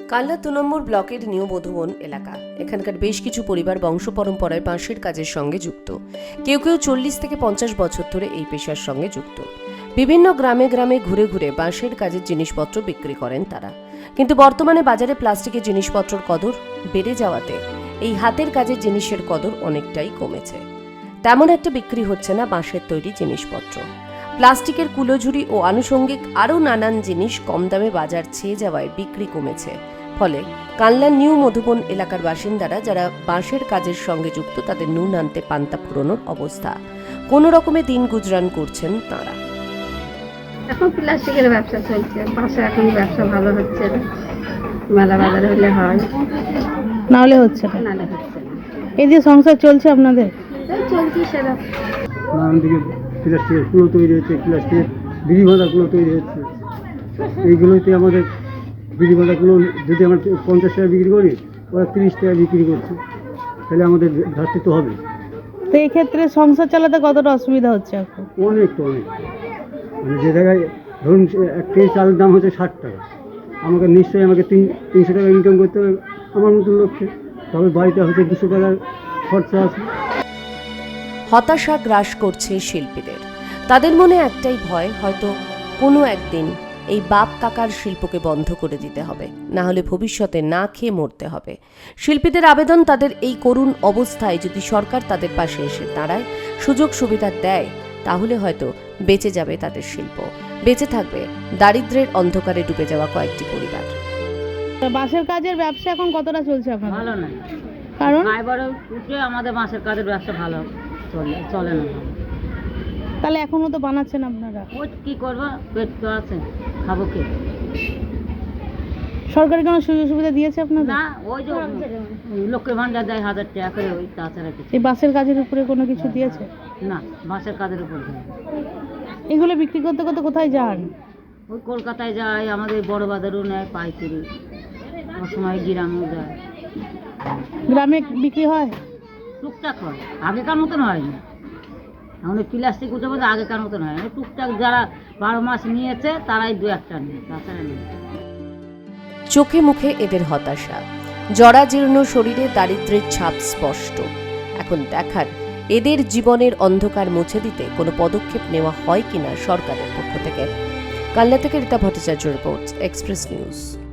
কাল্লা ২ নম্বর ব্লকের নিউ মধুবন এলাকা। এখানকার বেশ কিছু পরিবার বংশ পরম্পরায় বাঁশের কাজের সঙ্গে যুক্ত। কেউ কেউ ৪০ থেকে ৫০ বছর ধরে এই পেশার সঙ্গে যুক্ত। বিভিন্ন গ্রামে গ্রামে ঘুরে ঘুরে বাঁশের কাজের জিনিসপত্র বিক্রি করেন তারা। কিন্তু বর্তমানে বাজারে প্লাস্টিকের জিনিসপত্রের কদর বেড়ে যাওয়াতে এই হাতের কাজের জিনিসের কদর অনেকটাই কমেছে। তেমন একটা বিক্রি হচ্ছে না বাঁশের তৈরি জিনিসপত্র। প্লাস্টিকের কুলোঝুড়ি ও আনুষঙ্গিক আরও নানান জিনিস কম দামে বাজার ছেয়ে যাওয়ায় বিক্রি কমেছে। ফলে কাল্লা নিউ মধুবন এলাকার বাসিন্দারা যারা বাঁশের কাজের সঙ্গে যুক্ত তাদের নুন আনতে পান্তা ফুরোনোর অবস্থা। কোনো রকমে দিন গুজরান করছেন তাঁরা। এখন প্লাস্টিকের ব্যবসা চলছে, বাঁশে এখন ব্যবসা ভালো হচ্ছে না। মেলা বাজারে হলে হয়, না হলে হচ্ছে না। নাহলে হচ্ছে না। এই যে সংসার চলছে আপনাদের, এই চলছে সেটা। নানান দিকে প্লাস্টিকের কুলো তৈরি হচ্ছে, প্লাস্টিকের বিড়ি বাঁধাগুলো তৈরি হচ্ছে। এইগুলোতে আমাদের বিড়ি বাঁধাগুলো যদি আমরা ৫০ টাকা বিক্রি করি, ওরা ৩০ টাকা বিক্রি করছে, তাহলে আমাদের ঘাটতি তো হবে। তো এই ক্ষেত্রে সংসার চালাতে কতটা অসুবিধা হচ্ছে এখন? অনেক মানে যে জায়গায় ধরুন ১ কেজি চালের দাম হচ্ছে ৬০ টাকা, আমাকে নিশ্চয়ই ৩০০ টাকা ইনকাম করতে হবে আমার মতন লক্ষ্যে, তবে বাড়িতে হয়তো ২০০ টাকার খরচা আছে। হতাশা গ্রাস করছে শিল্পীদের। তাদের মনে একটাই ভয়, হয়তো কোনো একদিন এই বাপ কাকার শিল্পকে বন্ধ করে দিতে হবে, না হলে ভবিষ্যতে না খেয়ে মরতে হবে। শিল্পীদের আবেদন, তাদের এই করুণ অবস্থায় যদি সরকার তাদের পাশে এসে দাঁড়ায়, সুযোগ সুবিধা দেয়, তাহলে হয়তো বেঁচে যাবে তাদের শিল্প, বেঁচে থাকবে দারিদ্র্যের অন্ধকারে ডুবে যাওয়া কয়েকটি পরিবার। বাঁশের কাজের ব্যবসা এখন কতটা চলছে আপনাদের? ভালো না, কারণ ফাইবারে উঠে আমাদের বাঁশের কাজের ব্যবসা ভালো চলে না। তাহলে এখনো তো বানাচ্ছেন আপনারা, ওই কি করবো, পেট তো আছে, খাবো কি? সরকারি কোনো সুযোগ সুবিধা দিয়েছে আপনাদের? না, ওই যে লক্ষ্মীর ভান্ডার দেয় ১০০০ টাকা করে, ওই তাছাড়া কিছু এই বাঁশের কাজের উপরে কোনো কিছু দিয়েছে না। বাঁশের কাজের উপর দেয়। এগুলো বিক্রি করতে করতে কোথায় যান? ওই কলকাতায় যায়, আমাদের বড় বাজারও নেয় পাইকারি, ওর সময় গ্রামেও যায়। গ্রামে বিক্রি হয়? টুকটাক হয়, আগেকার মতন হয় না। আমাদের প্লাস্টিক উঠে বলতে আগেকার মতন হয় না। টুকটাক যারা ১২ মাস নিয়েছে তারাই ২-১টা নেয়, তাছাড়া নেই। চোখে মুখে এদের হতাশা, জরাজীর্ণ শরীরে দারিদ্র্যের ছাপ স্পষ্ট। এখন দেখার এদের জীবনের অন্ধকার মুছে দিতে কোনো পদক্ষেপ নেওয়া হয় কিনা সরকারের পক্ষ থেকে। কাল্লা থেকে Rita Bhattacharya report, express news.